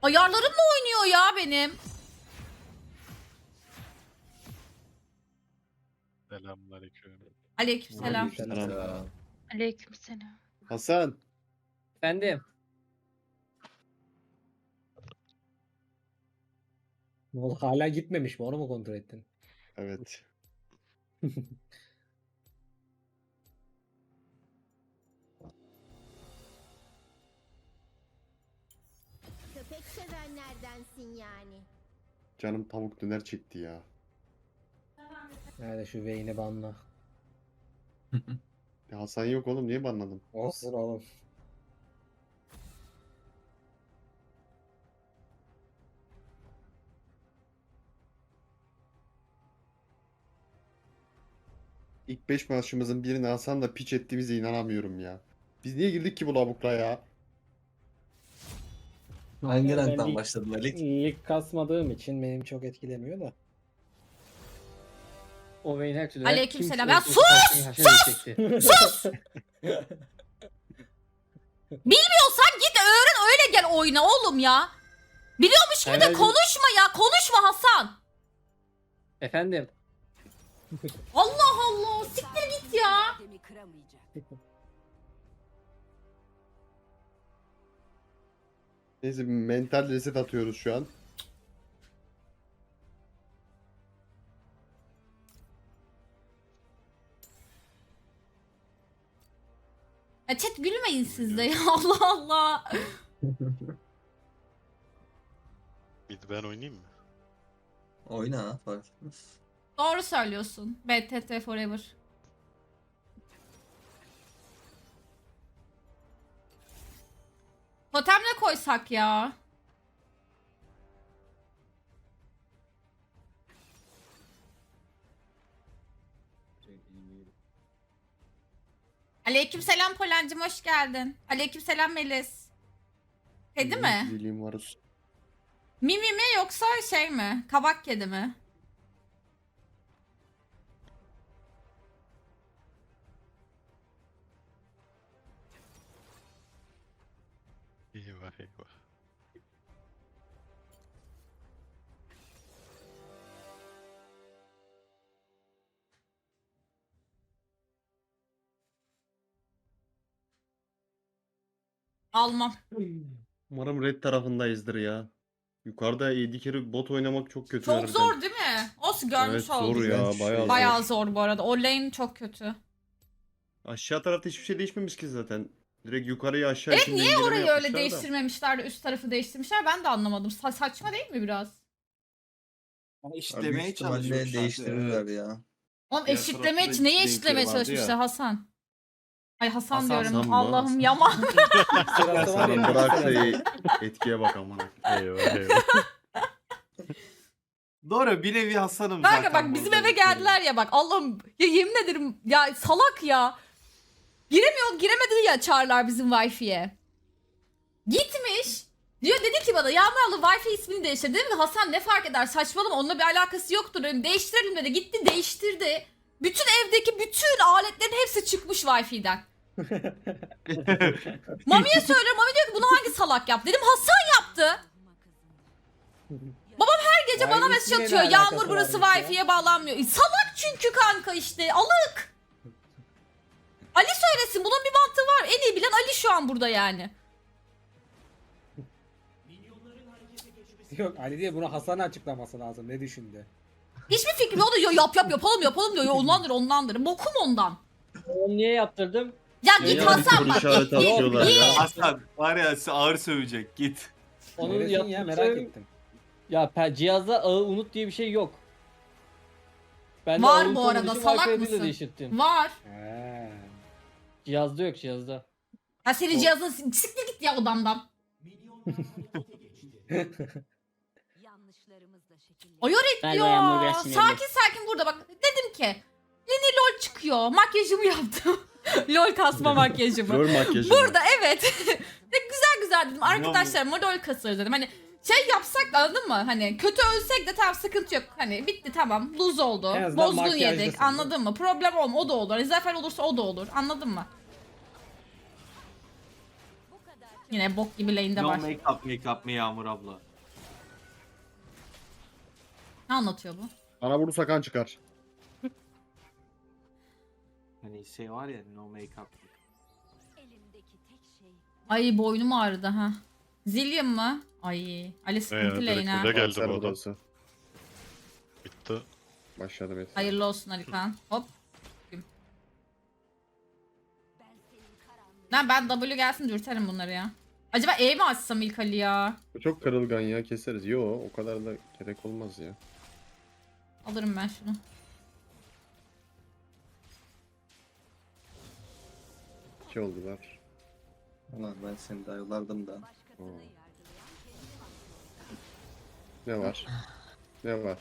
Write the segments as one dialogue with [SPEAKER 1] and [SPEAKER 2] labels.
[SPEAKER 1] Ayarlarımla oynuyor ya benim.
[SPEAKER 2] Selamünaleyküm.
[SPEAKER 1] Aleykümselam.
[SPEAKER 3] Aleykümselam.
[SPEAKER 4] Aleykümselam.
[SPEAKER 3] Hasan.
[SPEAKER 5] Efendim.
[SPEAKER 6] Ne oldu? Hala gitmemiş mi? Onu mu kontrol ettin?
[SPEAKER 3] Evet.
[SPEAKER 7] Köpek sevenlerdensin yani.
[SPEAKER 3] Canım tavuk döner çekti ya.
[SPEAKER 6] Nerede şu Vayne'i banla.
[SPEAKER 3] Ya Hasan yok oğlum, niye banladın?
[SPEAKER 6] Olsun oğlum.
[SPEAKER 3] İlk 5 maçımızın birini Hasan da piç ettiğimize inanamıyorum ya. Biz niye girdik ki bu lavukla ya?
[SPEAKER 8] Hangi
[SPEAKER 6] Ben
[SPEAKER 8] ranktan
[SPEAKER 6] lig-
[SPEAKER 8] başladın Ali?
[SPEAKER 6] Lig kasmadığım için benim çok etkilemiyor da.
[SPEAKER 5] O Vayne her türlü.
[SPEAKER 1] Aleykümselam.
[SPEAKER 5] Kimse-
[SPEAKER 1] Ya sus!
[SPEAKER 5] Sus!
[SPEAKER 1] Bilmiyorsan git öğren öyle gel oyna oğlum ya. Biliyormuş gibi de
[SPEAKER 5] Herhalde-
[SPEAKER 1] konuşma ya. Konuşma Hasan.
[SPEAKER 5] Efendim.
[SPEAKER 1] Allah Allah. Siktir git ya.
[SPEAKER 3] Neyse, mental reset atıyoruz şu an.
[SPEAKER 1] Ya chat gülmeyin siz de ya. Allah Allah.
[SPEAKER 2] Bir de ben oynayayım mı?
[SPEAKER 8] Oyna ha, fark etmez.
[SPEAKER 1] Doğru söylüyorsun. BTT Forever. Totem ne koysak ya? Aleykümselam Polen'cim, hoş geldin. Aleykümselam Melis. Kedi mi?
[SPEAKER 3] Zilliğim var.
[SPEAKER 1] Mimi mi yoksa şey mi? Kabak kedi mi?
[SPEAKER 2] Eyvah eyvah.
[SPEAKER 1] Almam.
[SPEAKER 3] Umarım red tarafındayızdır ya. Yukarıda 7 kere bot oynamak çok kötü.
[SPEAKER 1] Çok
[SPEAKER 3] harbiden.
[SPEAKER 1] zor değil mi? Olsun görmüş
[SPEAKER 3] Evet,
[SPEAKER 1] olduk.
[SPEAKER 3] zor ya,
[SPEAKER 8] İğrenç
[SPEAKER 3] bayağı
[SPEAKER 8] şey.
[SPEAKER 1] Bayağı zor bu arada. O lane çok kötü.
[SPEAKER 3] Aşağı tarafta hiçbir şey değişmemiş ki zaten. Direkt yukarıyı aşağı
[SPEAKER 1] Evet,
[SPEAKER 3] için
[SPEAKER 1] niye
[SPEAKER 3] dengeleme
[SPEAKER 1] orayı
[SPEAKER 3] yapmışlar
[SPEAKER 1] öyle
[SPEAKER 3] da.
[SPEAKER 1] değiştirmemişler de üst tarafı değiştirmişler? Ben de anlamadım. Saçma değil mi biraz?
[SPEAKER 8] Abi büyük
[SPEAKER 9] İşlemeye
[SPEAKER 8] ihtimalle
[SPEAKER 9] çalışmışlar.
[SPEAKER 8] değiştirirler
[SPEAKER 9] Evet.
[SPEAKER 8] ya.
[SPEAKER 1] Oğlum
[SPEAKER 9] Diğer
[SPEAKER 1] eşitlemeye
[SPEAKER 9] tarafta
[SPEAKER 1] için neyi
[SPEAKER 9] renkleri
[SPEAKER 1] eşitlemeye
[SPEAKER 9] vardı
[SPEAKER 1] çalışmışlar
[SPEAKER 9] ya.
[SPEAKER 1] Hasan? Ay Hasan
[SPEAKER 9] Hasan
[SPEAKER 1] diyorum.
[SPEAKER 3] mı?
[SPEAKER 1] Allah'ım yaman.
[SPEAKER 6] Sırası var
[SPEAKER 3] Hasan'ın
[SPEAKER 6] ya.
[SPEAKER 3] bıraktığı etkiye bak amına.
[SPEAKER 2] Eyvah eyvah.
[SPEAKER 9] Doğru, bir nevi Hasan'ım
[SPEAKER 1] Kanka
[SPEAKER 9] zaten.
[SPEAKER 1] bak bizim
[SPEAKER 9] burada.
[SPEAKER 1] eve geldiler ya bak Allah'ım ya yemin ederim ya salak ya. Giremedi ya çağırlar bizim Wi-Fi'ye. Gitmiş. Diyor dedi ki bana Yağmur abla Wi-Fi ismini değiştir. Dedim ki Hasan ne fark eder saçmalama onunla bir alakası yoktur. Dedim, değiştirelim dedi. Gitti değiştirdi. Bütün evdeki bütün aletlerin hepsi çıkmış Wi-Fi'den. Mami'ye söylüyorum. Mami diyor ki bunu hangi salak yaptı? Dedim Hasan yaptı. Her gece bana
[SPEAKER 6] Wi-Fi
[SPEAKER 1] mesaj
[SPEAKER 6] ismiyle
[SPEAKER 1] atıyor.
[SPEAKER 6] ne
[SPEAKER 1] Yağmur
[SPEAKER 6] alakası
[SPEAKER 1] burası
[SPEAKER 6] varmış ya?
[SPEAKER 1] Wi-Fi'ye bağlanmıyor. Salak çünkü kanka işte. Alık. Ali söylesin. Bunun bir mantığı var. En iyi bilen Ali şu an burada yani.
[SPEAKER 6] Yok Ali diye bunu Hasan'a açıklaması lazım. Ne düşündü?
[SPEAKER 1] Hiçbir fikrim yok. O da diyor yapalım diyor. Ondandır. Bokum ondan.
[SPEAKER 5] Onu niye yaptırdım?
[SPEAKER 1] Ya git
[SPEAKER 3] Ya,
[SPEAKER 1] Hasan
[SPEAKER 3] soru
[SPEAKER 1] bak.
[SPEAKER 3] işareti atıyorlar ya.
[SPEAKER 9] Hasan var ya, ağır sövecek, git.
[SPEAKER 5] Onu
[SPEAKER 6] Neresin ya merak ettim.
[SPEAKER 5] Ya cihazda ağı unut diye bir şey yok. Ben
[SPEAKER 1] Var
[SPEAKER 5] ağı
[SPEAKER 1] bu
[SPEAKER 5] unut
[SPEAKER 1] arada,
[SPEAKER 5] olduğu için
[SPEAKER 1] salak
[SPEAKER 5] Wi-Fi'yi de
[SPEAKER 1] mısın?
[SPEAKER 5] değiştirdim.
[SPEAKER 1] Var.
[SPEAKER 6] He.
[SPEAKER 5] Cihazda yok cihazda.
[SPEAKER 1] Ya senin cihazın siktir git ya odamdan. Ayar et ya. Sakin burada bak. Dedim ki Lini LOL çıkıyor. Makyajımı yaptım. LOL kasma makyajımı.
[SPEAKER 3] Rol makyajı.
[SPEAKER 1] Burada evet. De güzel dedim. Arkadaşlarıma LOL kasarız dedim. Hani şey yapsak da anladın mı? Hani kötü ölsek de tamam sıkıntı yok. Hani bitti tamam. Lose oldu.
[SPEAKER 6] En azından
[SPEAKER 1] Bozgun
[SPEAKER 6] makyajdasın,
[SPEAKER 1] yedik. Anladın mı? Problem olma o da olur. Hani zafer olursa o da olur. Anladın mı? Yine bok gibi lane'de
[SPEAKER 9] No
[SPEAKER 1] var.
[SPEAKER 9] make up mı Yağmur abla?
[SPEAKER 1] Ne anlatıyor bu?
[SPEAKER 3] Bana vurursa kan çıkar.
[SPEAKER 9] Hani şey var ya no make up.
[SPEAKER 1] Ay boynum ağrıdı ha. Zillion mı? Ay. Ali sıkıntı
[SPEAKER 2] direkt
[SPEAKER 1] lane ha.
[SPEAKER 2] öyle geldi
[SPEAKER 3] Kanser
[SPEAKER 2] bu adam.
[SPEAKER 3] burası.
[SPEAKER 2] Bitti.
[SPEAKER 3] Başladı Metin.
[SPEAKER 1] Hayırlı olsun Alikan. Hop. Lan ben W gelsin dürterim bunları ya. Acaba E mi açsam ilk Ali ya?
[SPEAKER 3] Bu çok kırılgan ya, keseriz. Yo, o kadar da gerek olmaz ya.
[SPEAKER 1] Alırım ben şunu.
[SPEAKER 3] İki oldular.
[SPEAKER 8] Ulan ben seni daha yollardım da.
[SPEAKER 3] Oo. Ne var? Ne var?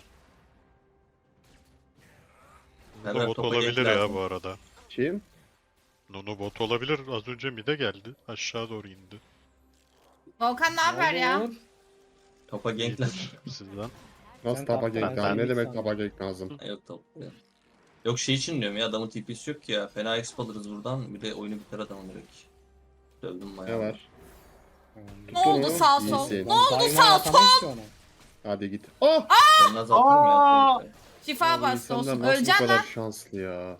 [SPEAKER 2] Nunu
[SPEAKER 8] Berber
[SPEAKER 2] bot
[SPEAKER 8] topa
[SPEAKER 2] olabilir
[SPEAKER 8] gank
[SPEAKER 2] ya
[SPEAKER 8] lazım.
[SPEAKER 2] bu arada.
[SPEAKER 3] Kim?
[SPEAKER 2] Nunu bot olabilir. Az önce mid'e geldi. Aşağı doğru indi.
[SPEAKER 1] Volkan ne haber ya?
[SPEAKER 6] Olur.
[SPEAKER 8] Topa gank lazım.
[SPEAKER 2] İyidir sizden.
[SPEAKER 3] Nasıl
[SPEAKER 6] Sen
[SPEAKER 3] tapa
[SPEAKER 6] tapta,
[SPEAKER 3] gank
[SPEAKER 6] ben
[SPEAKER 3] lazım? Ne
[SPEAKER 6] sen
[SPEAKER 3] demek
[SPEAKER 6] bir
[SPEAKER 3] tapa gank lazım?
[SPEAKER 8] Yok top. Yok şey için diyorum ya, adamın TP'si yok ki ya. Fena exp alırız buradan. Bir de oyunu biter adamın direkt. Dövdüm
[SPEAKER 3] Ne
[SPEAKER 8] bayağı.
[SPEAKER 3] var?
[SPEAKER 1] Ne oldu
[SPEAKER 3] Tuttu
[SPEAKER 1] sağ
[SPEAKER 3] mu?
[SPEAKER 1] sol?
[SPEAKER 3] İyisin.
[SPEAKER 1] Ne oldu
[SPEAKER 6] Daima
[SPEAKER 1] sağ
[SPEAKER 6] atamayız
[SPEAKER 1] sol?
[SPEAKER 6] ki onu.
[SPEAKER 3] Hadi git. Oh!
[SPEAKER 8] Ben azaltırım ya.
[SPEAKER 1] Şifa
[SPEAKER 3] Bu
[SPEAKER 1] bastı
[SPEAKER 3] insanlar
[SPEAKER 1] olsun.
[SPEAKER 3] nasıl bu
[SPEAKER 1] Öleceksin
[SPEAKER 3] kadar
[SPEAKER 1] lan.
[SPEAKER 3] şanslı ya.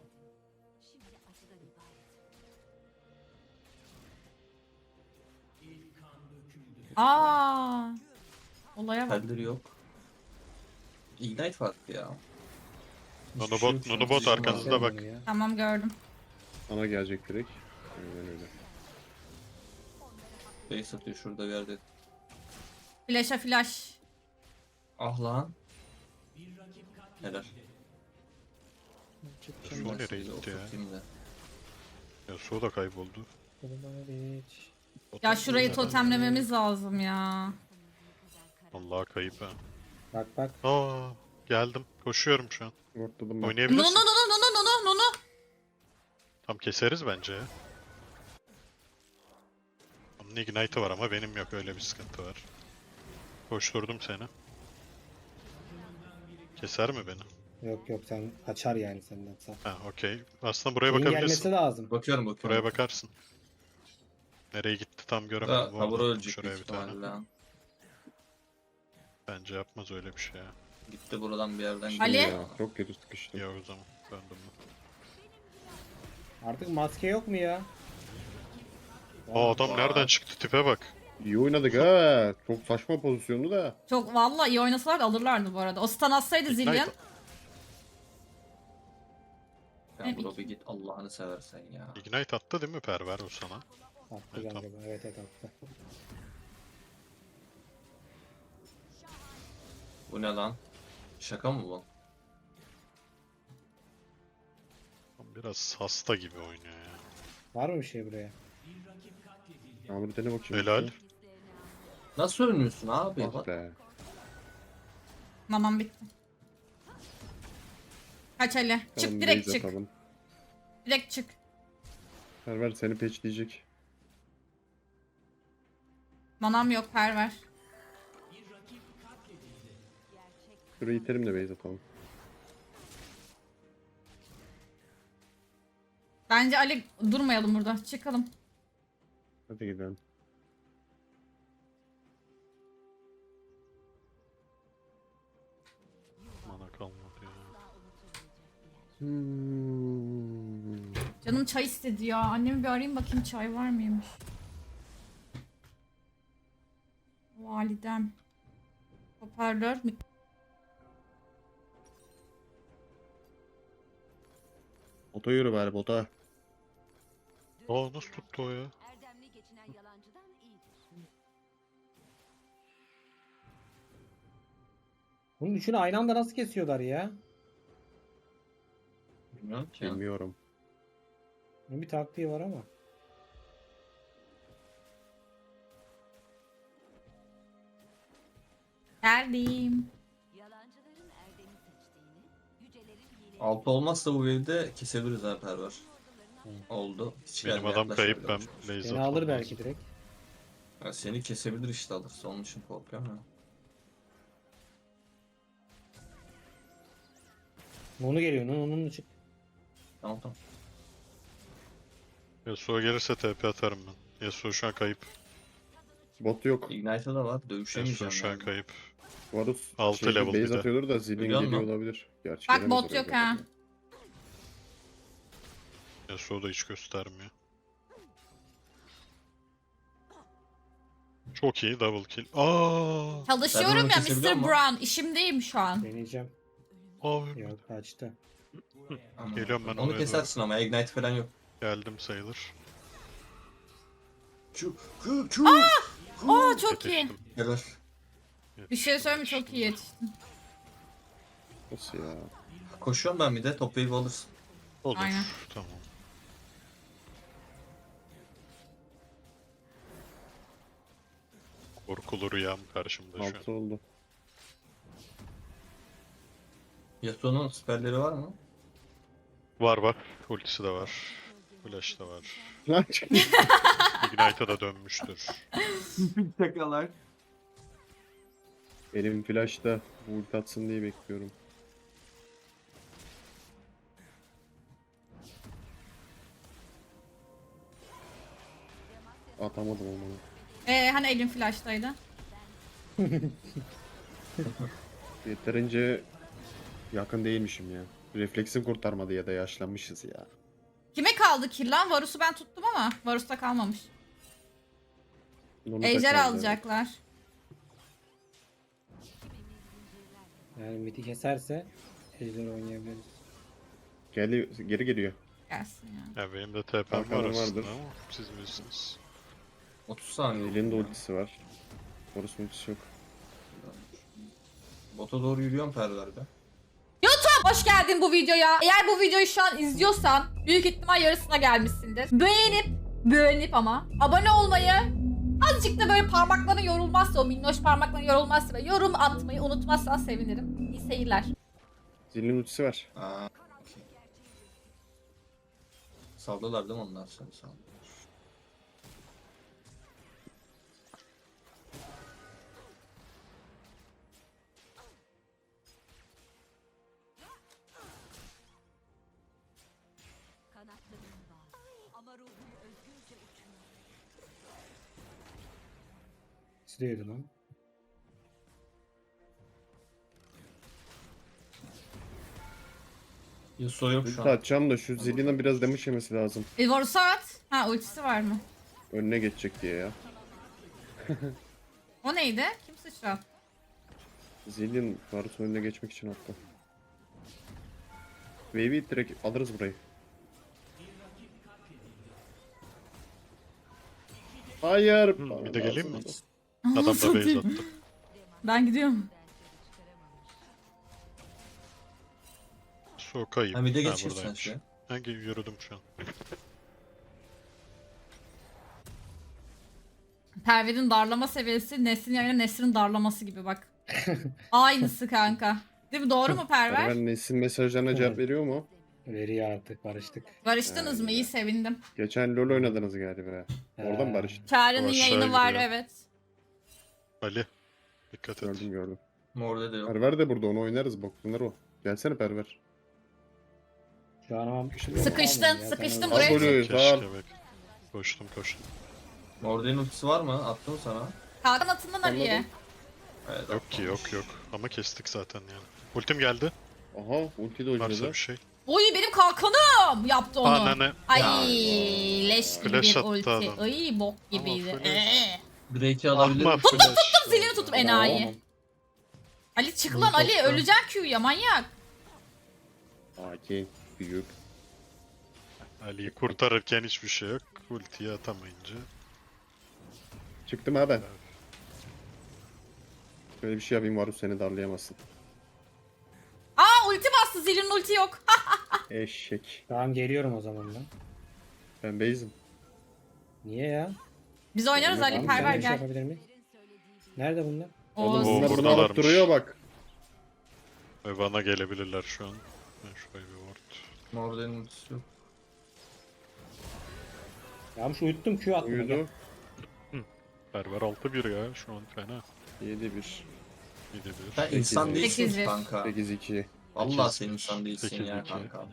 [SPEAKER 1] Aa. Olaya bak.
[SPEAKER 8] Pelleri yok. Ignite farklı ya.
[SPEAKER 2] Nunu
[SPEAKER 8] Hiçbir şey yok
[SPEAKER 2] bot,
[SPEAKER 8] şu an.
[SPEAKER 2] Nunu bot
[SPEAKER 8] Sıçrama
[SPEAKER 2] arkanızda
[SPEAKER 8] var.
[SPEAKER 2] bak.
[SPEAKER 6] Ya.
[SPEAKER 1] Tamam gördüm.
[SPEAKER 3] Sana gelecek direkt. Aynen öyle.
[SPEAKER 8] Base atıyor şurada bir yerde.
[SPEAKER 1] Flash'a flash.
[SPEAKER 8] Ah lan. Helal.
[SPEAKER 2] Yasuo nereye gitti ya?
[SPEAKER 8] Oturtayım da.
[SPEAKER 2] Yasuo da kayboldu.
[SPEAKER 1] Ya şurayı totemlememiz lazım ya.
[SPEAKER 2] Allah kayıp ha.
[SPEAKER 6] Bak bak.
[SPEAKER 2] Aa, geldim. Koşuyorum şu an.
[SPEAKER 3] Ortadım ben.
[SPEAKER 1] Nunu
[SPEAKER 2] Oynayabilirsin.
[SPEAKER 1] nunu nunu nunu nunu.
[SPEAKER 2] Tam keseriz bence ya. Onun ignite'ı var ama benim yok, öyle bir sıkıntı var. Koşturdum seni. Keser mi beni?
[SPEAKER 6] Yok yok sen kaçar yani senden sağ.
[SPEAKER 2] Ha okey. Aslında buraya
[SPEAKER 6] Şeyin gelmesi
[SPEAKER 2] bakabilirsin.
[SPEAKER 6] lazım.
[SPEAKER 8] Bakıyorum.
[SPEAKER 2] Buraya bakarsın. Nereye gitti tam göremedim.
[SPEAKER 8] Da,
[SPEAKER 2] Bu
[SPEAKER 8] Tabura
[SPEAKER 2] arada.
[SPEAKER 8] ölecek
[SPEAKER 2] Şuraya
[SPEAKER 8] büyük
[SPEAKER 2] bir tane.
[SPEAKER 8] ihtimalle lan.
[SPEAKER 2] Bence yapmaz öyle bir şey ya.
[SPEAKER 8] Gitti buradan bir yerden
[SPEAKER 1] Ali?
[SPEAKER 8] gidiyor.
[SPEAKER 3] Ya, çok kötü sıkıştım.
[SPEAKER 2] Ya o zaman döndüm ben.
[SPEAKER 6] Artık maske yok mu ya?
[SPEAKER 2] Aa adam nereden çıktı, tipe bak.
[SPEAKER 3] İyi oynadık ha. Çok saçma pozisyonu da.
[SPEAKER 1] Çok vallahi iyi oynasalar alırlardı bu arada. O stun atsaydı Zillion.
[SPEAKER 2] Ignite-
[SPEAKER 8] Ya bro bir git Allah'ını seversen ya.
[SPEAKER 2] Ignite attı değil mi Perver o sana?
[SPEAKER 6] Attı
[SPEAKER 2] Evet,
[SPEAKER 6] galiba. Evet evet attı.
[SPEAKER 8] Bu ne lan? Şaka mı bu?
[SPEAKER 2] Biraz hasta gibi oynuyor ya.
[SPEAKER 6] Var mı bir şey buraya?
[SPEAKER 3] Yağmur dene bakayım.
[SPEAKER 2] Helal.
[SPEAKER 8] Nasıl ölmüyorsun abi?
[SPEAKER 3] Ah
[SPEAKER 8] Bak.
[SPEAKER 3] be.
[SPEAKER 1] Mamam bitti. Kaç Ali. Çık
[SPEAKER 3] Tamam,
[SPEAKER 1] direkt
[SPEAKER 3] base
[SPEAKER 1] çık.
[SPEAKER 3] atalım.
[SPEAKER 1] Direkt çık.
[SPEAKER 3] Perver seni peçleyecek.
[SPEAKER 1] Manam yok perver.
[SPEAKER 3] Şurayı iterim de base atalım.
[SPEAKER 1] Bence Ali durmayalım burada. Çıkalım.
[SPEAKER 3] Hadi gidelim.
[SPEAKER 2] Mana kalmadı ya.
[SPEAKER 1] Canım çay istedi ya. Annemi bir arayayım bakayım çay var mıymış. Validem. Hoparlör.
[SPEAKER 3] Bota yürü bari bota.
[SPEAKER 2] Aa nasıl tuttu o ya?
[SPEAKER 4] Erdemli geçinen yalancıdan iyidir.
[SPEAKER 6] Bunun üçünü aynı anda nasıl kesiyorlar ya?
[SPEAKER 8] Bilmiyorum ki.
[SPEAKER 3] Bilmiyorum.
[SPEAKER 6] Bunun bir taktiği var ama.
[SPEAKER 1] Geldim.
[SPEAKER 4] Yalancıların Erdem'i seçtiğini, yücelerin hileli...
[SPEAKER 8] 6 olmazsa bu wave'de kesebiliriz ha Perver. Oldu. Hiç
[SPEAKER 2] Benim
[SPEAKER 8] gelme,
[SPEAKER 2] adam kayıp, ben
[SPEAKER 8] yaklaşabilirim.
[SPEAKER 2] base
[SPEAKER 6] Seni
[SPEAKER 2] atmam
[SPEAKER 6] alır belki
[SPEAKER 2] lazım.
[SPEAKER 6] direkt.
[SPEAKER 8] Ya seni kesebilir işte alırsa, onun için korkuyorum ya.
[SPEAKER 6] Nunu geliyor. Nunu'nun çık.
[SPEAKER 8] Tamam tamam.
[SPEAKER 2] Yasuo gelirse TP atarım ben. Yasuo şu an kayıp.
[SPEAKER 3] Bot yok.
[SPEAKER 8] Ignite'ı da var.
[SPEAKER 2] Yasuo
[SPEAKER 8] Dövüşemeyeceğim
[SPEAKER 2] şu an
[SPEAKER 8] yani.
[SPEAKER 2] kayıp.
[SPEAKER 3] Varus
[SPEAKER 2] Altı
[SPEAKER 3] şeyde
[SPEAKER 2] level bir
[SPEAKER 3] base
[SPEAKER 2] de.
[SPEAKER 3] atıyordur da Zilin
[SPEAKER 8] Biliyor
[SPEAKER 3] geliyor
[SPEAKER 8] musun?
[SPEAKER 3] olabilir. Gerçi
[SPEAKER 1] Bak
[SPEAKER 3] gelemez
[SPEAKER 1] bot
[SPEAKER 3] oraya
[SPEAKER 1] yok
[SPEAKER 3] zaten.
[SPEAKER 1] ha.
[SPEAKER 2] Yasuo da hiç göstermiyor. Çok iyi double kill.
[SPEAKER 1] Çalışıyorum
[SPEAKER 8] Ben
[SPEAKER 1] ya
[SPEAKER 8] onu kesebiliyor
[SPEAKER 1] Mr.
[SPEAKER 8] musun?
[SPEAKER 1] Brown. İşimdeyim şu an.
[SPEAKER 6] Deneyeceğim.
[SPEAKER 2] Aa,
[SPEAKER 6] Yok kaçtı.
[SPEAKER 8] Aman.
[SPEAKER 2] Geliyorum ben
[SPEAKER 8] Onu
[SPEAKER 2] oraya doğru.
[SPEAKER 8] kesersin ama Ignite falan yok.
[SPEAKER 2] Geldim sayılır.
[SPEAKER 1] Aa çok iyi.
[SPEAKER 2] Yetiştim.
[SPEAKER 8] Helal.
[SPEAKER 1] Bir şey söyleyeyim mi? Çok iyi yetiştin.
[SPEAKER 3] Nasıl ya?
[SPEAKER 8] Koşuyorum ben bir de top wave alırsın.
[SPEAKER 2] Olur.
[SPEAKER 1] Aynen.
[SPEAKER 2] Tamam. Korkulu rüyam karşımda şu an.
[SPEAKER 3] 6 oldu.
[SPEAKER 8] Yasuo'nun siperleri var mı?
[SPEAKER 2] Var var. Ultisi de var. Flash da var.
[SPEAKER 3] Lan çık.
[SPEAKER 2] Ignite'a da dönmüştür.
[SPEAKER 9] Şakalar.
[SPEAKER 3] Benim flash'ta ulti atsın diye bekliyorum. Atamadım onu.
[SPEAKER 1] Hani elin flash'taydı.
[SPEAKER 3] Yeterince yakın değilmişim ya. Refleksim kurtarmadı ya da yaşlanmışız ya.
[SPEAKER 1] Kime kaldı kill lan? Varus'u ben tuttum ama Varus'ta kalmamış.
[SPEAKER 3] Onu da
[SPEAKER 1] Ejder
[SPEAKER 3] kaldı.
[SPEAKER 1] alacaklar.
[SPEAKER 6] Yani midi keserse ejder oynayabiliriz.
[SPEAKER 3] Geri geliyor.
[SPEAKER 1] Gelsin ya.
[SPEAKER 2] Ya benim de TP'm
[SPEAKER 3] Arkadan
[SPEAKER 2] var aslında
[SPEAKER 3] vardır.
[SPEAKER 2] ama siz bilirsiniz.
[SPEAKER 8] 30 saniye.
[SPEAKER 3] Elinde ultisi var. Horus ultisi yok.
[SPEAKER 8] Bota doğru yürüyorum perverde.
[SPEAKER 1] Hoş geldin bu videoya. Eğer bu videoyu şu an izliyorsan büyük ihtimal yarısına gelmişsindir. Beğenip ama abone olmayı, azıcık da böyle parmakların yorulmazsa, o minnoş parmakların yorulmazsa ve yorum atmayı unutmazsan sevinirim. İyi seyirler.
[SPEAKER 3] Zilin ultisi var.
[SPEAKER 8] Aa, okey. Saldılar değil mi onlar seni sağ?
[SPEAKER 4] Kanatlarım var. Ama ruhum özgürce uçuyor.
[SPEAKER 6] Sürüyordu lan.
[SPEAKER 8] Yasuo yok şu
[SPEAKER 3] Ulti
[SPEAKER 8] an.
[SPEAKER 3] atacağım da şu Zillin'e biraz damage yemesi lazım.
[SPEAKER 1] Varus'a at. Ha ultisi var mı?
[SPEAKER 3] Önüne geçecek diye ya.
[SPEAKER 1] O neydi? Kim sıçrattı?
[SPEAKER 3] Zillin Varus'un önüne geçmek için attı. Wave'i direkt alırız burayı. Hayır.
[SPEAKER 2] Bir de geleyim mi?
[SPEAKER 1] Aa,
[SPEAKER 2] Adam da
[SPEAKER 1] çok
[SPEAKER 2] base
[SPEAKER 1] iyi.
[SPEAKER 2] attı.
[SPEAKER 1] Ben gidiyorum.
[SPEAKER 2] Su kayıp.
[SPEAKER 8] Ha bir de
[SPEAKER 2] Ha,
[SPEAKER 8] geçirsen
[SPEAKER 2] buradaymış.
[SPEAKER 8] şey.
[SPEAKER 2] Hangi yürüdüm şu an?
[SPEAKER 1] Perver'in darlama seviyesi Nesrin yayına Nesrin darlaması gibi bak. Aynısı kanka. Değil mi? Doğru mu Perver?
[SPEAKER 3] Ben Nesin mesajlarına cevap veriyor mu?
[SPEAKER 6] Veriyor artık barıştık.
[SPEAKER 1] Barıştınız mı? İyi sevindim.
[SPEAKER 3] Geçen LoL oynadınız galiba. Oradan
[SPEAKER 6] Ha.
[SPEAKER 3] barıştık.
[SPEAKER 1] Çağrı'nın
[SPEAKER 2] Aşağı
[SPEAKER 1] yayını var
[SPEAKER 2] gidiyor.
[SPEAKER 1] evet.
[SPEAKER 2] Ali. Dikkat et.
[SPEAKER 3] Gördüm.
[SPEAKER 8] Morde de yok.
[SPEAKER 3] Perver de burada, onu oynarız, boklanır o. Gelsene Perver.
[SPEAKER 6] Şu an ama
[SPEAKER 1] Sıkıştın, sıkıştım
[SPEAKER 3] Al
[SPEAKER 1] buraya.
[SPEAKER 3] golü, sağ ol.
[SPEAKER 2] Keşke bek. Koştum.
[SPEAKER 8] Morde'nin ultisi var mı? Attım sana.
[SPEAKER 1] Kalkan atından Ali'ye.
[SPEAKER 8] Evet,
[SPEAKER 2] Yok ki yok. Ama kestik zaten yani. Ultim geldi.
[SPEAKER 3] Aha, ulti de
[SPEAKER 2] Varsa
[SPEAKER 3] oynadı.
[SPEAKER 2] bir şey.
[SPEAKER 1] Oy benim kalkanım yaptı onu.
[SPEAKER 2] Ananı.
[SPEAKER 1] Ay
[SPEAKER 8] Ya.
[SPEAKER 1] leş gibi
[SPEAKER 2] Flash
[SPEAKER 1] bir
[SPEAKER 2] attı
[SPEAKER 1] ulti.
[SPEAKER 2] adam.
[SPEAKER 1] Ay bok gibiydi.
[SPEAKER 2] Ama flash.
[SPEAKER 8] Drake'i alabilirim.
[SPEAKER 2] Ahma flash.
[SPEAKER 1] Zilini tutup enayi. Ali çık lan Ali öleceksin Q'ya manyak.
[SPEAKER 3] AK, büyük.
[SPEAKER 2] Ali'yi kurtarırken hiçbir şey yok. Ultiyi atamayınca.
[SPEAKER 3] Çıktım ha ben. Böyle bir şey yapayım, Varus seni darlayamazsın.
[SPEAKER 1] Aa ulti bastı Zil'in ulti yok.
[SPEAKER 3] Eşek.
[SPEAKER 6] Tamam geliyorum o zaman ben.
[SPEAKER 3] Ben base'im.
[SPEAKER 6] Niye ya?
[SPEAKER 1] Biz oynarız Ali
[SPEAKER 6] Tamam,
[SPEAKER 1] Perver
[SPEAKER 6] sen de bir şey
[SPEAKER 1] gel.
[SPEAKER 6] yapabilir miyim? Nerede bunlar?
[SPEAKER 3] Oğlum
[SPEAKER 1] Oğuz.
[SPEAKER 3] bunlar bunu
[SPEAKER 2] buradalarmış.
[SPEAKER 3] alıp duruyor bak.
[SPEAKER 2] Ve bana gelebilirler şu an. Ben şuraya bir ward.
[SPEAKER 8] Morde'nin ultisi yok.
[SPEAKER 6] Ya şu uyuttum Q attım. Gel.
[SPEAKER 3] Uyudu.
[SPEAKER 2] Berber 6-1 ya şu an fena.
[SPEAKER 3] 7-1.
[SPEAKER 2] 7-1.
[SPEAKER 8] Sen insan
[SPEAKER 3] Sekiz
[SPEAKER 8] değilsin
[SPEAKER 1] bir.
[SPEAKER 8] kanka.
[SPEAKER 3] 8-2.
[SPEAKER 8] Vallahi
[SPEAKER 2] 8-1.
[SPEAKER 8] sen insan değilsin ya
[SPEAKER 2] 8-2.
[SPEAKER 8] kanka.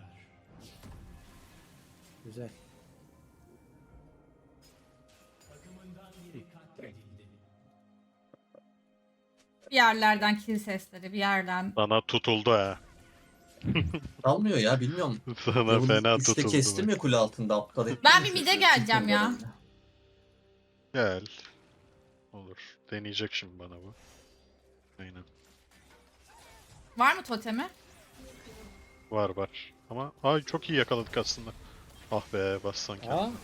[SPEAKER 6] Güzel.
[SPEAKER 1] bir yerlerden kill sesleri bir yerden.
[SPEAKER 2] Sana tutuldu ha.
[SPEAKER 8] Almıyor ya bilmiyorum.
[SPEAKER 2] Sana
[SPEAKER 8] Level
[SPEAKER 2] fena
[SPEAKER 8] 3'te
[SPEAKER 2] tutuldu.
[SPEAKER 8] kestim ya kule altında aptal ettim.
[SPEAKER 1] Ben bir mid'e geleceğim ya.
[SPEAKER 2] Gel. Olur. Deneyecek şimdi bana bu. Aynen.
[SPEAKER 1] Var mı totemi?
[SPEAKER 2] Var var. Ama ay çok iyi yakaladık aslında. Ah be bassan ki.
[SPEAKER 6] Aa.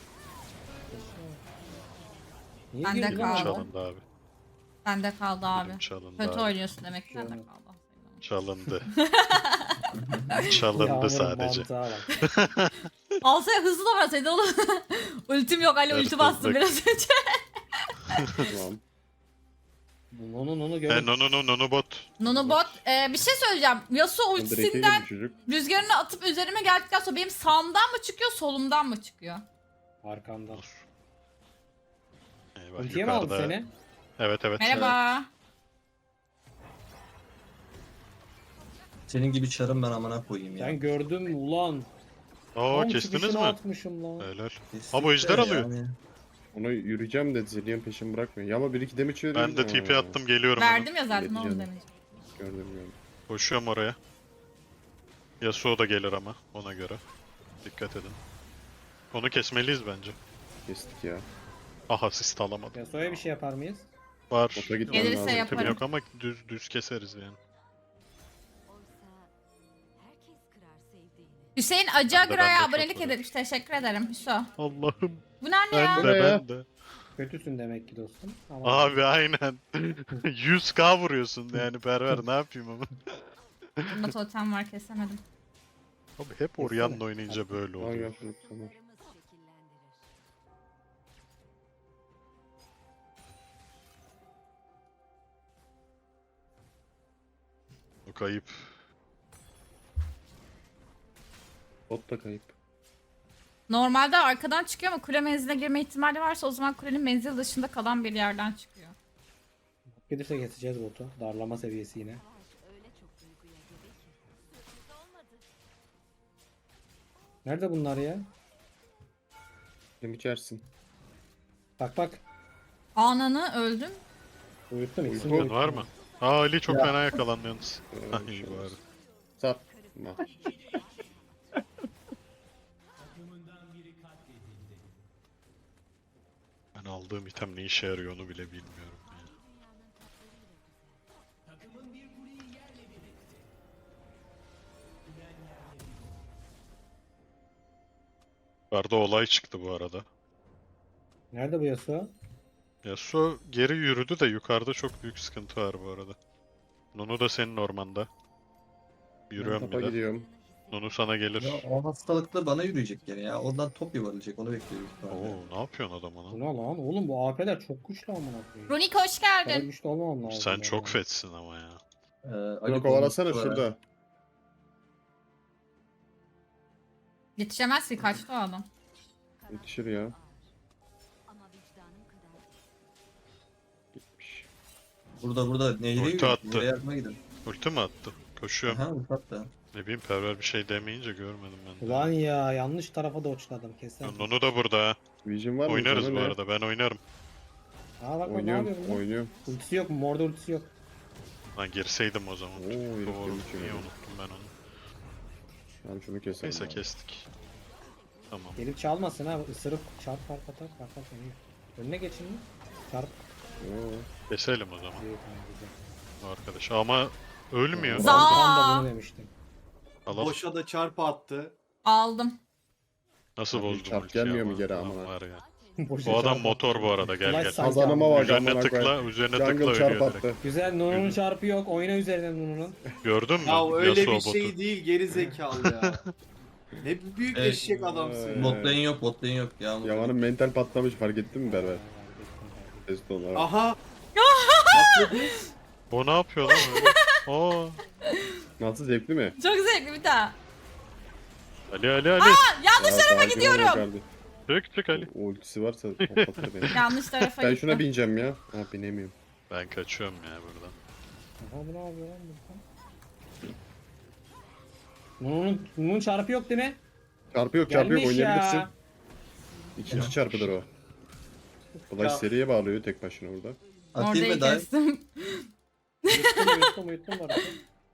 [SPEAKER 6] Niye
[SPEAKER 1] Bende
[SPEAKER 6] girdin lan?
[SPEAKER 1] kaldı.
[SPEAKER 2] Çalındı abi.
[SPEAKER 1] Bende kaldı abi.
[SPEAKER 2] Benim çalındı
[SPEAKER 1] Kötü
[SPEAKER 2] abi.
[SPEAKER 1] oynuyorsun demek ki bende
[SPEAKER 6] Canım.
[SPEAKER 1] kaldı.
[SPEAKER 2] Çalındı.
[SPEAKER 6] Yağmur'un
[SPEAKER 2] Çalındı sadece.
[SPEAKER 6] mantığa bak.
[SPEAKER 1] Alsaya hızlı da verseydi oğlum. Ultim yok Ali ulti
[SPEAKER 2] Hırsızlık.
[SPEAKER 1] bastım biraz önce.
[SPEAKER 3] Tamam.
[SPEAKER 6] Onu gör.
[SPEAKER 2] Nono bot.
[SPEAKER 1] Nonobot bir şey söyleyeceğim. Yasuo
[SPEAKER 3] Direkteydi
[SPEAKER 1] ultisinden
[SPEAKER 3] bu çocuk.
[SPEAKER 1] rüzgarını atıp üzerime geldikten sonra benim sağımdan mı çıkıyor solumdan mı çıkıyor?
[SPEAKER 6] Arkamdan.
[SPEAKER 2] Eyvah,
[SPEAKER 6] Ultiye mi aldı
[SPEAKER 2] yukarıda.
[SPEAKER 6] seni?
[SPEAKER 2] Evet evet.
[SPEAKER 1] Merhaba.
[SPEAKER 8] Senin gibi çarım ben amına koyayım ya.
[SPEAKER 6] Ben gördüm ulan.
[SPEAKER 2] Oo
[SPEAKER 6] Tam
[SPEAKER 2] kestiniz
[SPEAKER 6] çıkışını
[SPEAKER 2] mi?
[SPEAKER 6] atmışım lan.
[SPEAKER 2] Helal.
[SPEAKER 8] Kesinlikle
[SPEAKER 2] Ama ejder alıyor.
[SPEAKER 8] yani.
[SPEAKER 3] Ona yürüyeceğim dedi. Zillion peşimi bırakmıyor. Ya ama 1-2 damage veriyor.
[SPEAKER 2] Ben de TP attım geliyorum ona.
[SPEAKER 1] Verdim ya zaten
[SPEAKER 3] Yedi
[SPEAKER 1] onu
[SPEAKER 3] canım.
[SPEAKER 1] demiş.
[SPEAKER 3] Gördüm.
[SPEAKER 2] Koşuyorum oraya. Yasuo da gelir ama ona göre. Dikkat edin. Onu kesmeliyiz bence.
[SPEAKER 3] Kestik ya.
[SPEAKER 2] Ah asist alamadım.
[SPEAKER 6] Yasuo'ya bir şey yapar mıyız?
[SPEAKER 2] Var.
[SPEAKER 3] Bota gitmem
[SPEAKER 1] Gelirse
[SPEAKER 3] lazım.
[SPEAKER 2] Ultim
[SPEAKER 1] yaparım.
[SPEAKER 2] yok ama düz keseriz yani.
[SPEAKER 4] Oysa herkes kırar sevdiğini.
[SPEAKER 1] Hüseyin
[SPEAKER 2] Ben de
[SPEAKER 1] Acagıra'ya
[SPEAKER 2] çok
[SPEAKER 1] abonelik
[SPEAKER 2] varım.
[SPEAKER 1] etmiş. Teşekkür ederim Hüso.
[SPEAKER 2] Allah'ım.
[SPEAKER 1] Bu ne ya?
[SPEAKER 2] Ben
[SPEAKER 3] Bu ne
[SPEAKER 2] de
[SPEAKER 3] ya?
[SPEAKER 2] ben de.
[SPEAKER 6] Kötüsün demek ki dostum. Ama
[SPEAKER 2] Abi aynen. 100k vuruyorsun yani Perver ne yapayım ama.
[SPEAKER 1] Bunda totem var kesemedim.
[SPEAKER 2] Abi hep Orianna oynayınca böyle
[SPEAKER 3] Al
[SPEAKER 2] oluyor.
[SPEAKER 3] gel, tamam.
[SPEAKER 4] Kararımız şekillendirir.
[SPEAKER 2] O kayıp.
[SPEAKER 3] Bot da kayıp.
[SPEAKER 1] Normalde arkadan çıkıyor ama kule menziline girme ihtimali varsa o zaman kulenin menzil dışında kalan bir yerden çıkıyor.
[SPEAKER 6] gelirse keseceğiz botu. Darlama seviyesi yine.
[SPEAKER 4] Öyle çok duyguya gebe ki. Sürpriz olmadı.
[SPEAKER 6] Nerede bunlar ya?
[SPEAKER 3] Kim içersin?
[SPEAKER 6] Bak bak.
[SPEAKER 1] Ananı öldüm.
[SPEAKER 6] Uyuttum ikisini de
[SPEAKER 3] Uyku
[SPEAKER 6] uyuttum.
[SPEAKER 2] Var mı? Aa Ali çok fena yakalandı yalnız. Ah iyi bari.
[SPEAKER 3] Satma.
[SPEAKER 2] Ben aldığım item ne işe yarıyor onu bile bilmiyorum. Yani. Yukarıda olay çıktı bu arada.
[SPEAKER 6] Nerede bu Yasuo?
[SPEAKER 2] Yasuo geri yürüdü de yukarıda çok büyük sıkıntı var bu arada. Nunu da senin ormanda. Yürüyorum
[SPEAKER 3] Topa
[SPEAKER 2] bir de.
[SPEAKER 3] gidiyorum.
[SPEAKER 2] Nunu sana gelir.
[SPEAKER 8] Ya o hastalıkla bana yürüyecek gene ya. Ondan top yuvarlayacak onu bekliyoruz.
[SPEAKER 2] Oo ne yapıyorsun adam
[SPEAKER 6] Bu
[SPEAKER 2] ona?
[SPEAKER 6] ne lan? Oğlum bu AP'ler çok güçlü amına koyayım.
[SPEAKER 1] Runik hoş
[SPEAKER 6] Bu kadar
[SPEAKER 1] geldin.
[SPEAKER 6] güçlü olmamam lazım.
[SPEAKER 2] Sen
[SPEAKER 6] ya.
[SPEAKER 2] çok fetsin ama ya.
[SPEAKER 3] Bunu kovalasana şurada.
[SPEAKER 1] Yetişemez ki kaçtı o adam.
[SPEAKER 3] Yetişir ya.
[SPEAKER 4] Ama vicdanım kadar
[SPEAKER 3] Gitmiş.
[SPEAKER 8] Burada nehre
[SPEAKER 2] Ulti
[SPEAKER 8] yürüyor.
[SPEAKER 2] attı.
[SPEAKER 8] Nehre yardıma gidin.
[SPEAKER 2] Ulti mi attı? Koşuyorum.
[SPEAKER 8] Aha ulti attı.
[SPEAKER 2] Ne bileyim Perver bir şey demeyince görmedim ben de.
[SPEAKER 6] Ulan ya yanlış tarafa doçladım kesin.
[SPEAKER 2] Nunu da burada ha.
[SPEAKER 3] Vision var mı?
[SPEAKER 2] Oynarız
[SPEAKER 3] Sana
[SPEAKER 2] bu
[SPEAKER 3] ne?
[SPEAKER 2] arada ben oynarım.
[SPEAKER 6] Aa bak bak ne
[SPEAKER 3] Oynuyorum.
[SPEAKER 6] yapıyor bu?
[SPEAKER 3] Oynuyorum.
[SPEAKER 6] Ultisi yok mu? Morda ultisi yok.
[SPEAKER 2] Lan girseydim o zaman.
[SPEAKER 3] Oo, herif
[SPEAKER 2] Doğru.
[SPEAKER 3] gözüküyor.
[SPEAKER 2] Niye unuttum ben onu.
[SPEAKER 3] Tamam şunu keselim.
[SPEAKER 2] Neyse
[SPEAKER 3] abi.
[SPEAKER 2] kestik. Tamam.
[SPEAKER 6] Gelip çalmasın ha. Isırıp çarp fark atar. Fark atar. Önüne geçin mi? Çarp.
[SPEAKER 3] Oo.
[SPEAKER 2] Keselim o zaman
[SPEAKER 6] İyi, tamam, güzel.
[SPEAKER 2] arkadaş. Ama ölmüyor.
[SPEAKER 1] Za-
[SPEAKER 6] Ben de bunu demiştim.
[SPEAKER 2] Allah
[SPEAKER 9] Boşa da çarpı attı.
[SPEAKER 1] Aldım.
[SPEAKER 2] nasıl
[SPEAKER 3] Abi
[SPEAKER 2] bozdum
[SPEAKER 3] çarp
[SPEAKER 2] ultiyi
[SPEAKER 3] gelmiyor mu
[SPEAKER 2] ama.
[SPEAKER 3] geri
[SPEAKER 2] Lan
[SPEAKER 3] amına?
[SPEAKER 2] var ya.
[SPEAKER 6] Boşa
[SPEAKER 2] Bu adam
[SPEAKER 6] çarp
[SPEAKER 2] motor
[SPEAKER 6] attı.
[SPEAKER 2] bu arada gel
[SPEAKER 6] Flash
[SPEAKER 2] gel.
[SPEAKER 6] sanki
[SPEAKER 3] Kazanıma
[SPEAKER 6] ama.
[SPEAKER 3] bak
[SPEAKER 2] Üzerine
[SPEAKER 3] amına
[SPEAKER 2] tıkla,
[SPEAKER 3] koyayım.
[SPEAKER 2] üzerine tıkla
[SPEAKER 3] Jungle çarp
[SPEAKER 2] ölüyor direkt.
[SPEAKER 3] attı.
[SPEAKER 6] Güzel. Nun'un çarpı yok. Oyna üzerinden Nun'un.
[SPEAKER 2] Gördün mü?
[SPEAKER 9] Ya öyle
[SPEAKER 2] Yasuo
[SPEAKER 9] bir
[SPEAKER 2] botu.
[SPEAKER 9] şey değil geri zekalı ya. Ne büyük
[SPEAKER 8] Evet.
[SPEAKER 9] eşek adamsın.
[SPEAKER 8] Bot lane yok, bot lane yok. Ya,
[SPEAKER 3] Yaman'ın mental patlamış fark ettin mi Berber? Testo olarak.
[SPEAKER 9] Aha. Atladı.
[SPEAKER 2] O ne yapıyor lan öyle? Oo.
[SPEAKER 3] Nasıl zevkli mi?
[SPEAKER 1] Çok zevkli bir daha.
[SPEAKER 2] Ali Ali Ali.
[SPEAKER 1] Yanlış
[SPEAKER 3] Ya,
[SPEAKER 1] tarafa
[SPEAKER 3] sakin ol
[SPEAKER 1] gidiyorum.
[SPEAKER 3] kardeşim.
[SPEAKER 2] Çık Ali.
[SPEAKER 3] O ultisi varsa patlatır beni.
[SPEAKER 1] Yanlış tarafa
[SPEAKER 3] Ben
[SPEAKER 1] gitti.
[SPEAKER 3] şuna bineceğim ya. Ha binemiyorum.
[SPEAKER 2] Ben kaçıyorum ya buradan.
[SPEAKER 6] Aha bu ne yapıyor lan burada? Nun'un çarpı yok değil mi?
[SPEAKER 3] Çarpı yok çarpı yok
[SPEAKER 6] Gelmiş
[SPEAKER 3] oynayabilirsin.
[SPEAKER 6] ya.
[SPEAKER 3] İkinci çarpıdır o. Flash
[SPEAKER 9] Ya.
[SPEAKER 3] seriye bağlıyor tek başına orada.
[SPEAKER 8] Atayım
[SPEAKER 1] Orayı
[SPEAKER 8] mı dive?
[SPEAKER 1] kestim.
[SPEAKER 6] Uyuttum Varus'u.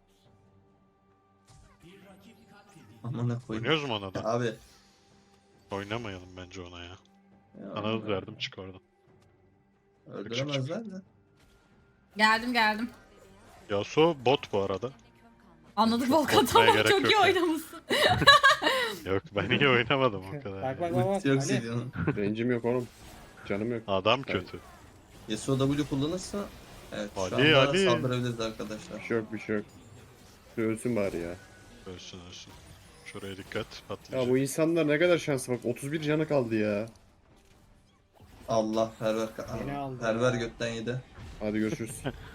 [SPEAKER 8] Amına koyayım.
[SPEAKER 2] Oynuyoruz mu ona da?
[SPEAKER 8] Abi.
[SPEAKER 2] Oynamayalım bence ona ya.
[SPEAKER 8] Ya,
[SPEAKER 2] Sana hız verdim çık oradan.
[SPEAKER 8] Öldüremezler de.
[SPEAKER 1] Geldim.
[SPEAKER 2] Yasuo bot bu arada.
[SPEAKER 1] Anladık
[SPEAKER 2] Çok
[SPEAKER 1] Volkan,
[SPEAKER 2] korkmaya
[SPEAKER 1] tamam,
[SPEAKER 2] gerek
[SPEAKER 1] çok
[SPEAKER 2] yok
[SPEAKER 1] iyi
[SPEAKER 2] ya.
[SPEAKER 1] oynamışsın.
[SPEAKER 2] Yok ben iyi oynamadım o kadar.
[SPEAKER 6] Bak
[SPEAKER 2] ya.
[SPEAKER 6] bak bak.
[SPEAKER 8] Yok
[SPEAKER 6] Ali.
[SPEAKER 8] seviyorum.
[SPEAKER 3] Rencim yok oğlum. Canım yok.
[SPEAKER 2] Adam kötü.
[SPEAKER 8] Yasuo W kullanırsa evet şu
[SPEAKER 2] Ali,
[SPEAKER 8] anda
[SPEAKER 2] Ali.
[SPEAKER 8] saldırabiliriz arkadaşlar.
[SPEAKER 3] Bir şey yok. Şu ölsün bari ya.
[SPEAKER 2] Ölsün. Şuraya dikkat
[SPEAKER 3] Ya
[SPEAKER 2] patlayacak.
[SPEAKER 3] bu insanlar ne kadar şanslı bak. 31 canı kaldı ya.
[SPEAKER 8] Allah perver
[SPEAKER 6] Beni aldı
[SPEAKER 8] perver
[SPEAKER 6] ya.
[SPEAKER 8] götten yedi.
[SPEAKER 3] Hadi görüşürüz.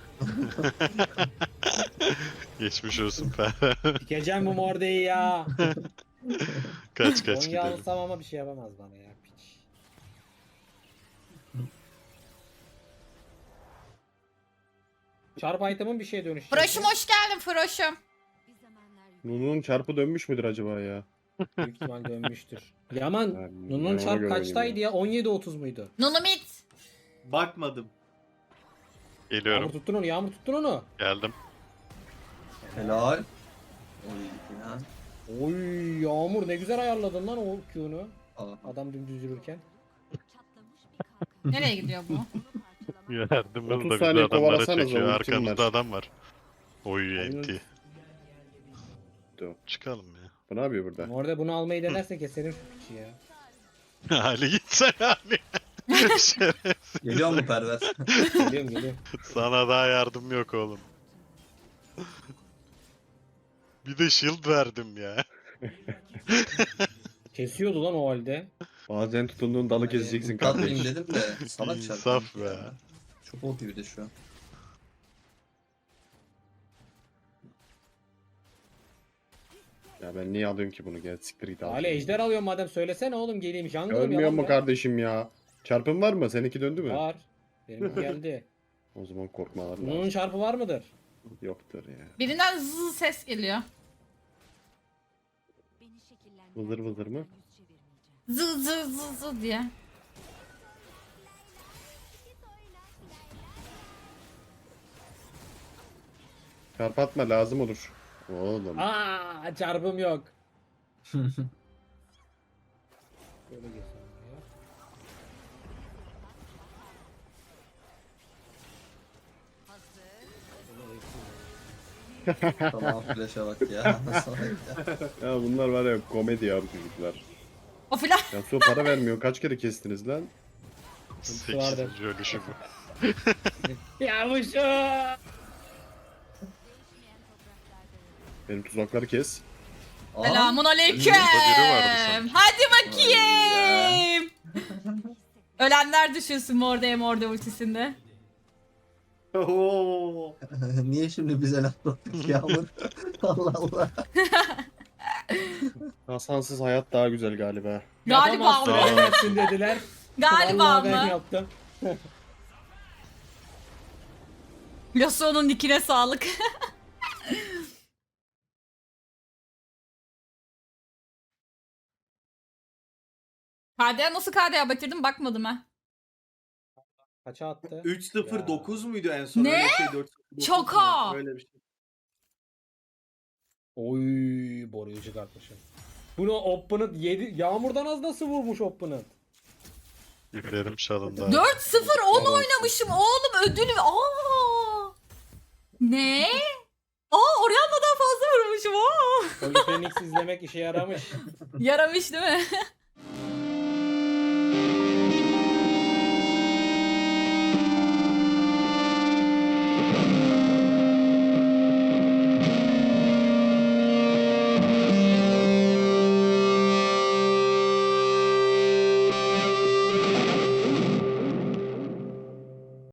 [SPEAKER 2] Geçmiş olsun be.
[SPEAKER 6] Dikeceğim bu mordeyi ya.
[SPEAKER 2] kaç
[SPEAKER 6] Onu
[SPEAKER 2] gidelim.
[SPEAKER 6] yansam ama bir şey yapamaz bana ya. Piç. Çarp item'ın bir şeye dönüşecek.
[SPEAKER 1] Froş'um hoş geldin Froş'um.
[SPEAKER 4] Bir zamanlar
[SPEAKER 3] Nunu'nun çarpı dönmüş müdür acaba ya?
[SPEAKER 6] Büyük ihtimal dönmüştür. Yaman,
[SPEAKER 3] Ben
[SPEAKER 6] Nun'un
[SPEAKER 3] ona
[SPEAKER 6] çarp
[SPEAKER 3] göre
[SPEAKER 6] kaçtaydı
[SPEAKER 3] oynayayım
[SPEAKER 6] ya? 17-30 muydu?
[SPEAKER 1] Nunu mid.
[SPEAKER 9] Bakmadım.
[SPEAKER 6] Yağmur
[SPEAKER 2] Geliyorum.
[SPEAKER 6] tuttun onu, Yağmur tuttun onu.
[SPEAKER 2] Geldim.
[SPEAKER 8] Helal. Oy ya.
[SPEAKER 6] Oy Yağmur ne güzel ayarladın lan o Q'nu.
[SPEAKER 8] Aa.
[SPEAKER 6] Adam dümdüz yürürken.
[SPEAKER 4] çatlamış bir kalkan.
[SPEAKER 1] Nereye gidiyor bu?
[SPEAKER 2] Yardımımız
[SPEAKER 3] 30
[SPEAKER 2] da bizi
[SPEAKER 3] saniye
[SPEAKER 2] adamlara
[SPEAKER 3] kovalasanıza,
[SPEAKER 2] çekiyor.
[SPEAKER 3] ultim
[SPEAKER 2] Arkamızda
[SPEAKER 3] var.
[SPEAKER 2] adam var. Oy
[SPEAKER 6] Oyunun-
[SPEAKER 2] enti.
[SPEAKER 3] Dur.
[SPEAKER 2] Çıkalım ya.
[SPEAKER 3] Bu ne yapıyor burada?
[SPEAKER 6] Orada bunu almayı denerse keserim şu piçi ya.
[SPEAKER 2] Ali gitsen Ali. Şerefsiz.
[SPEAKER 8] Geliyor mu perver?
[SPEAKER 6] Geliyorum.
[SPEAKER 2] Sana daha yardım yok oğlum. Bir de shield verdim ya.
[SPEAKER 6] Kesiyordu lan o halde.
[SPEAKER 3] Bazen tutunduğun dalı keseceksin
[SPEAKER 8] Katlayayım
[SPEAKER 3] kardeş.
[SPEAKER 8] dedim de salak
[SPEAKER 2] İnsaf
[SPEAKER 8] çarptım
[SPEAKER 2] be.
[SPEAKER 8] ya. Çok OP bir de şu an.
[SPEAKER 3] Ya ben niye alıyorum ki bunu? Gel siktir git al.
[SPEAKER 6] Ali ejder alıyorum madem söylesene oğlum geleyim. Jungle'ım
[SPEAKER 3] Ölmüyor
[SPEAKER 6] yalan
[SPEAKER 3] mu
[SPEAKER 6] be.
[SPEAKER 3] kardeşim ya? Çarpın var mı? Seninki döndü mü?
[SPEAKER 6] Var. Benimki geldi.
[SPEAKER 3] O zaman korkmalar
[SPEAKER 6] Bunun
[SPEAKER 3] lazım.
[SPEAKER 6] çarpı var mıdır?
[SPEAKER 3] Yoktur ya.
[SPEAKER 1] Birinden zız ses geliyor.
[SPEAKER 4] Beni şekillendiren
[SPEAKER 3] Vızır vızır mı?
[SPEAKER 4] yüz çevirmeyeceğim.
[SPEAKER 1] Zı diye.
[SPEAKER 3] Çarp atma lazım olur. Oğlum.
[SPEAKER 6] Aa çarpım yok. Böyle geçelim ya.
[SPEAKER 8] Tamam flash'a bak ya. Salak ya.
[SPEAKER 3] Ya bunlar var ya komedi ya bu çocuklar.
[SPEAKER 1] O filan.
[SPEAKER 3] Ya su para vermiyor. Kaç kere kestiniz lan?
[SPEAKER 2] 8. ölüşü bu.
[SPEAKER 6] Ya bu şu.
[SPEAKER 3] Benim tuzakları kes.
[SPEAKER 8] Aa,
[SPEAKER 1] Selamun aleyküm.
[SPEAKER 2] biri vardı sanki.
[SPEAKER 1] Hadi bakayım. Ölenler düşünsün morde ultisinde.
[SPEAKER 9] Oo.
[SPEAKER 8] Niye şimdi bize laf attık Yağmur? Allah Allah.
[SPEAKER 3] Hasansız hayat daha güzel galiba.
[SPEAKER 1] Galiba
[SPEAKER 6] Yapamazsın,
[SPEAKER 1] mı?
[SPEAKER 6] ölemezsin dediler.
[SPEAKER 1] Galiba
[SPEAKER 6] Vallahi ben
[SPEAKER 1] mı?
[SPEAKER 6] yaptım.
[SPEAKER 1] Yasuo'nun dikine sağlık. KDA nasıl KDA bitirdim bakmadım ha.
[SPEAKER 6] Kaça attı?
[SPEAKER 9] 3-0-9 muydu en son?
[SPEAKER 1] Ne?
[SPEAKER 9] Öyle şey 4-0-9
[SPEAKER 1] Şaka!
[SPEAKER 9] mu? Öyle bir şey.
[SPEAKER 6] Oy boruyu çıkartmışım. Bunu Opponent 7 Yağmurdan az nasıl vurmuş Opponent?
[SPEAKER 2] İplerim çalındı.
[SPEAKER 1] 4-0 10 oynamışım oğlum ödülü. Aa! Ne? Aa Orianna'dan fazla vurmuşum. Aa!
[SPEAKER 6] Holy Phoenix izlemek işe yaramış.
[SPEAKER 1] Yaramış değil mi?